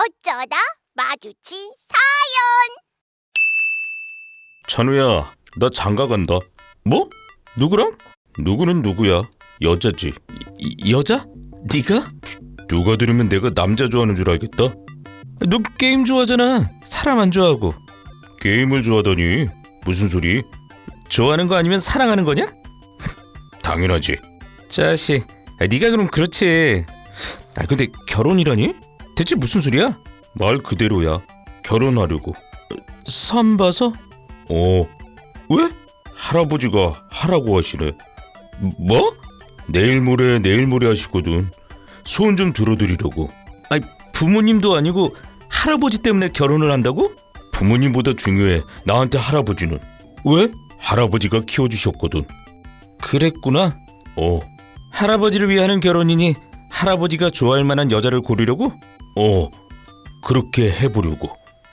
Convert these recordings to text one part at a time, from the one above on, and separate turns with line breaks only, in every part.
어쩌다 마주친
찬우야, 나 장가 간다. 뭐? 누구랑? 누구는 누구야? 여자지. 여자? 네가? 누가 들으면 내가 남자 좋아하는 줄 알겠다. 너 게임 좋아하잖아. 사람 안 좋아하고. 게임을 좋아하다니. 무슨 소리? 좋아하는 거 아니면 사랑하는 거냐? 당연하지. 자식, 네가 그럼 그렇지. 근데 결혼이라니? 대체 무슨 소리야? 말 그대로야. 결혼하려고. 선 봐서? 왜? 할아버지가 하라고 하시네. 뭐? 내일 모레 하시거든. 소원 좀 들어드리려고. 부모님도 아니고 할아버지 때문에 결혼을 한다고? 부모님보다 중요해, 나한테 할아버지는. 왜? 할아버지가 키워주셨거든. 그랬구나. 할아버지를 위하는 결혼이니 할아버지가 좋아할 만한 여자를 고르려고? 그렇게 해보려고.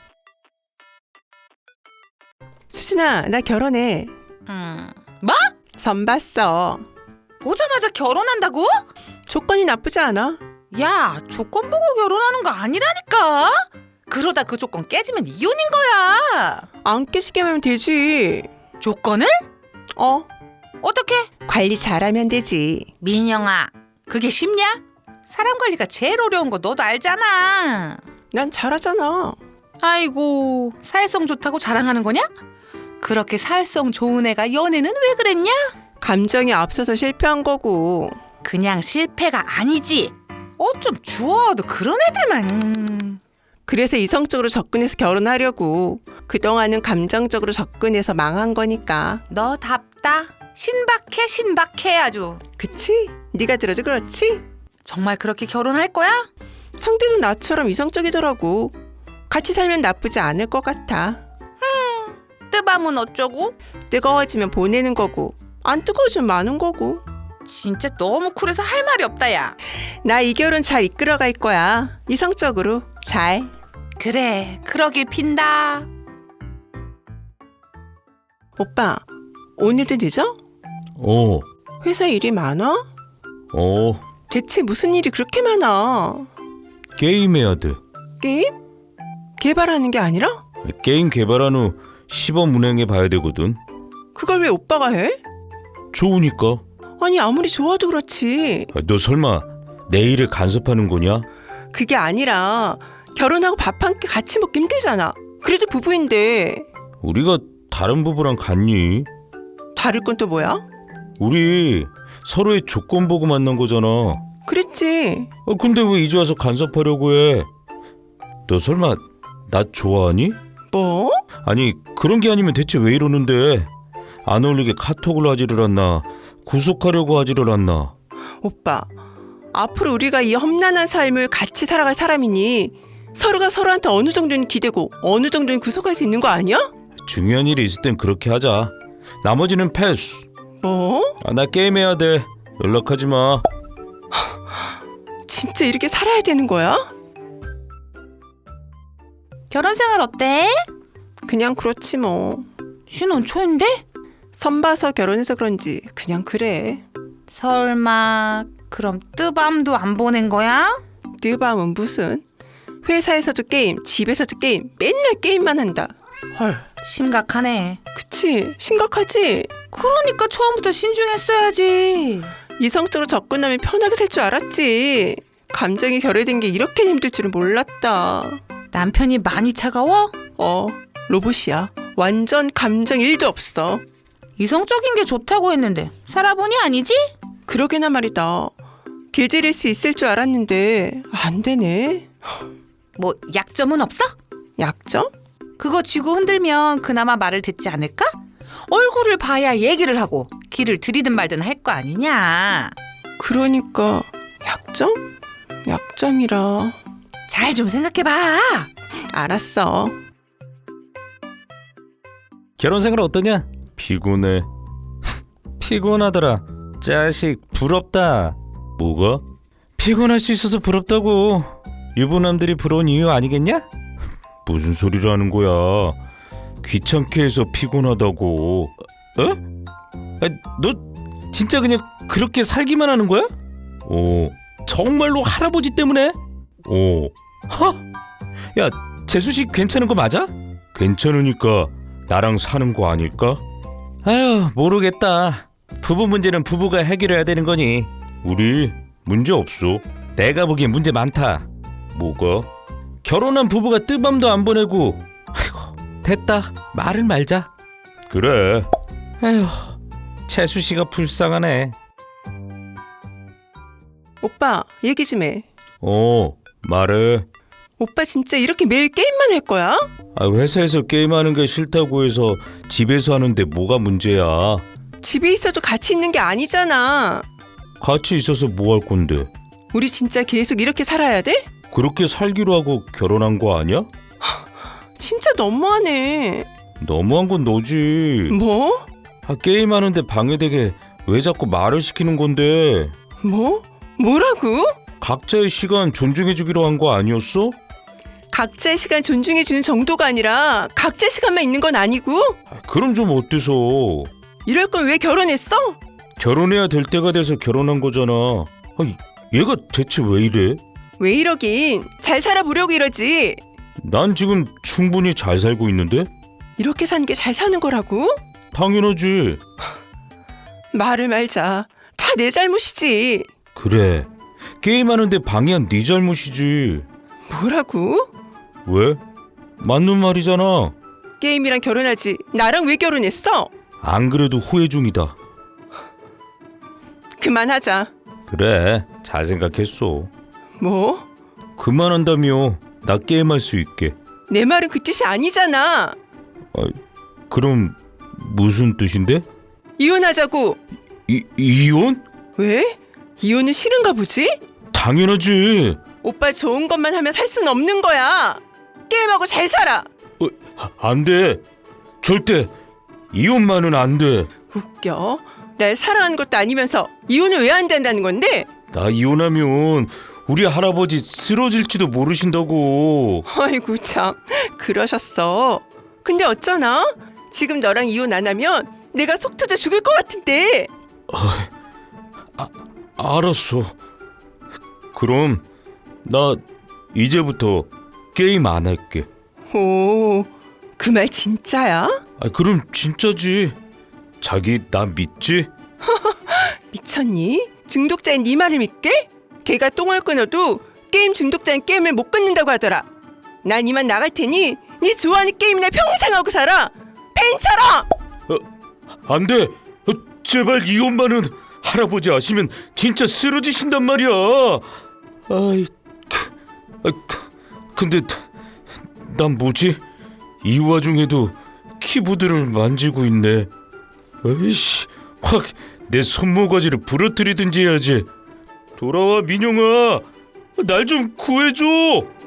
수진아, 나 결혼해.
뭐?
선 봤어.
보자마자 결혼한다고?
조건이 나쁘지 않아.
야, 조건 보고 결혼하는 거 아니라니까. 그러다 그 조건 깨지면 이혼인 거야.
안 깨지게 하면 되지.
조건을? 어떻게?
관리 잘하면 되지.
민영아, 그게 쉽냐? 사람 관리가 제일 어려운 거 너도 알잖아.
난 잘하잖아.
아이고, 사회성 좋다고 자랑하는 거냐? 그렇게 사회성 좋은 애가 연애는 왜 그랬냐?
감정이 앞서서 실패한 거고.
그냥 실패가 아니지. 어쩜 주워도 그런 애들만.
그래서 이성적으로 접근해서 결혼하려고. 그동안은 감정적으로 접근해서 망한 거니까.
너답다. 신박해 아주.
그치? 네가 들어도 그렇지?
정말 그렇게 결혼할 거야?
상대도 나처럼 이성적이더라고. 같이 살면 나쁘지 않을 것 같아.
뜨밤은 어쩌고?
뜨거워지면 보내는 거고, 안 뜨거워지면 마는 거고.
진짜 너무 쿨해서 할 말이 없다, 야.
나 이 결혼 잘 이끌어갈 거야. 이성적으로 잘.
그래, 그러길 빈다.
오빠, 오늘도 늦어? 회사에 일이 많아? 대체 무슨 일이 그렇게 많아?
게임해야 돼.
게임? 개발하는 게 아니라?
게임 개발한 후 시범 운행해 봐야 되거든.
그걸 왜 오빠가 해?
좋으니까.
아니, 아무리 좋아도 그렇지.
너 설마 내 일을 간섭하는 거냐?
그게 아니라 결혼하고 밥 한 끼 같이 먹기 힘들잖아. 그래도 부부인데.
우리가 다른 부부랑 같니?
다를 건 또 뭐야?
우리 서로의 조건 보고 만난 거잖아.
그랬지.
근데 왜 이제 와서 간섭하려고 해? 너 설마 나 좋아하니?
뭐?
아니, 그런 게 아니면 대체 왜 이러는데? 안 어울리게 카톡을 하지를 않나? 구속하려고 하지를 않나?
오빠, 앞으로 우리가 이 험난한 삶을 같이 살아갈 사람이니 서로가 서로한테 어느 정도는 기대고 어느 정도는 구속할 수 있는 거 아니야?
중요한 일이 있을 땐 그렇게 하자. 나머지는 패스.
뭐?
나 게임해야 돼. 연락하지 마.
진짜 이렇게 살아야 되는 거야?
결혼 생활 어때?
그냥 그렇지 뭐.
신혼 초인데?
선 봐서 결혼해서 그런지 그냥 그래.
설마 그럼 뜨밤도 안 보낸 거야?
뜨밤은 무슨. 회사에서도 게임, 집에서도 게임, 맨날 게임만 한다.
헐, 심각하네.
그치? 심각하지?
그러니까 처음부터 신중했어야지.
이성적으로 접근하면 편하게 살 줄 알았지. 감정이 결여된 게 이렇게 힘들 줄은 몰랐다.
남편이 많이 차가워?
로봇이야. 완전 감정 1도 없어.
이성적인 게 좋다고 했는데 살아보니 아니지?
그러게나 말이다. 길들일 수 있을 줄 알았는데 안 되네.
뭐 약점은 없어?
약점?
그거 쥐고 흔들면 그나마 말을 듣지 않을까? 얼굴을 봐야 얘기를 하고 길을 들이든 말든 할 거 아니냐.
그러니까 약점? 약점이라.
잘 좀 생각해봐.
알았어.
결혼 생활 어떠냐? 피곤해. 피곤하더라. 자식, 부럽다. 뭐가? 피곤할 수 있어서 부럽다고. 유부남들이 부러운 이유 아니겠냐? 무슨 소리를 하는 거야? 귀찮게 해서 피곤하다고. 너 진짜 그냥 그렇게 살기만 하는 거야? 정말로 할아버지 때문에? 야, 재수 씨 괜찮은 거 맞아? 괜찮으니까 나랑 사는 거 아닐까? 아휴, 모르겠다. 부부 문제는 부부가 해결해야 되는 거니. 우리 문제 없어. 내가 보기엔 문제 많다. 뭐가? 결혼한 부부가 뜨밤도 안 보내고. 아이고, 됐다. 말을 말자. 그래. 에휴, 채수 씨가 불쌍하네.
오빠, 얘기 좀 해.
말해.
오빠 진짜 이렇게 매일 게임만 할 거야?
회사에서 게임하는 게 싫다고 해서 집에서 하는데 뭐가 문제야?
집에 있어도 같이 있는 게 아니잖아.
같이 있어서 뭐 할 건데?
우리 진짜 계속 이렇게 살아야 돼?
그렇게 살기로 하고 결혼한 거 아니야?
진짜 너무하네.
너무한 건 너지.
뭐?
게임하는데 방해되게 왜 자꾸 말을 시키는 건데?
뭐? 뭐라고?
각자의 시간 존중해주기로 한 거 아니었어?
각자의 시간 존중해주는 정도가 아니라 각자 시간만 있는 건 아니고?
그럼 좀 어때서?
이럴 건 왜 결혼했어?
결혼해야 될 때가 돼서 결혼한 거잖아. 얘가 대체 왜 이래?
왜 이러긴. 잘 살아보려고 이러지.
난 지금 충분히 잘 살고 있는데?
이렇게 사는 게 잘 사는 거라고?
당연하지.
말을 말자. 다 내 잘못이지.
그래. 게임하는데 방해한 네 잘못이지.
뭐라고?
왜? 맞는 말이잖아.
게임이랑 결혼하지. 나랑 왜 결혼했어?
안 그래도 후회 중이다.
그만하자.
그래, 잘 생각했어.
뭐?
그만한다며. 나 게임할 수 있게.
내 말은 그 뜻이 아니잖아.
그럼 무슨 뜻인데?
이혼하자고.
이혼?
왜? 이혼은 싫은가 보지?
당연하지.
오빠 좋은 것만 하면 살 수는 없는 거야. 게임하고 잘 살아.
안 돼. 절대 이혼만은 안 돼.
웃겨. 날 사랑하는 것도 아니면서 이혼을 왜 안 된다는 건데?
나 이혼하면 우리 할아버지 쓰러질지도 모르신다고.
아이고 참 그러셨어. 근데 어쩌나? 지금 너랑 이혼 안 하면 내가 속 터져 죽을 것 같은데.
알았어. 그럼 나 이제부터 게임 안 할게.
오, 그 말 진짜야?
그럼 진짜지. 자기 나 믿지?
미쳤니? 중독자인 네 말을 믿게? 걔가 똥을 끊어도 게임 중독자인 게임을 못 끊는다고 하더라. 난 이만 나갈 테니 네 좋아하는 게임이나 평생 하고 살아. 팬처럼.
안 돼. 제발 이혼만은. 할아버지 아시면 진짜 쓰러지신단 말이야. 근데 난 뭐지? 이 와중에도 키보드를 만지고 있네. 에이씨, 확 내 손모가지를 부러뜨리든지 해야지. 돌아와 민용아, 날 좀 구해줘.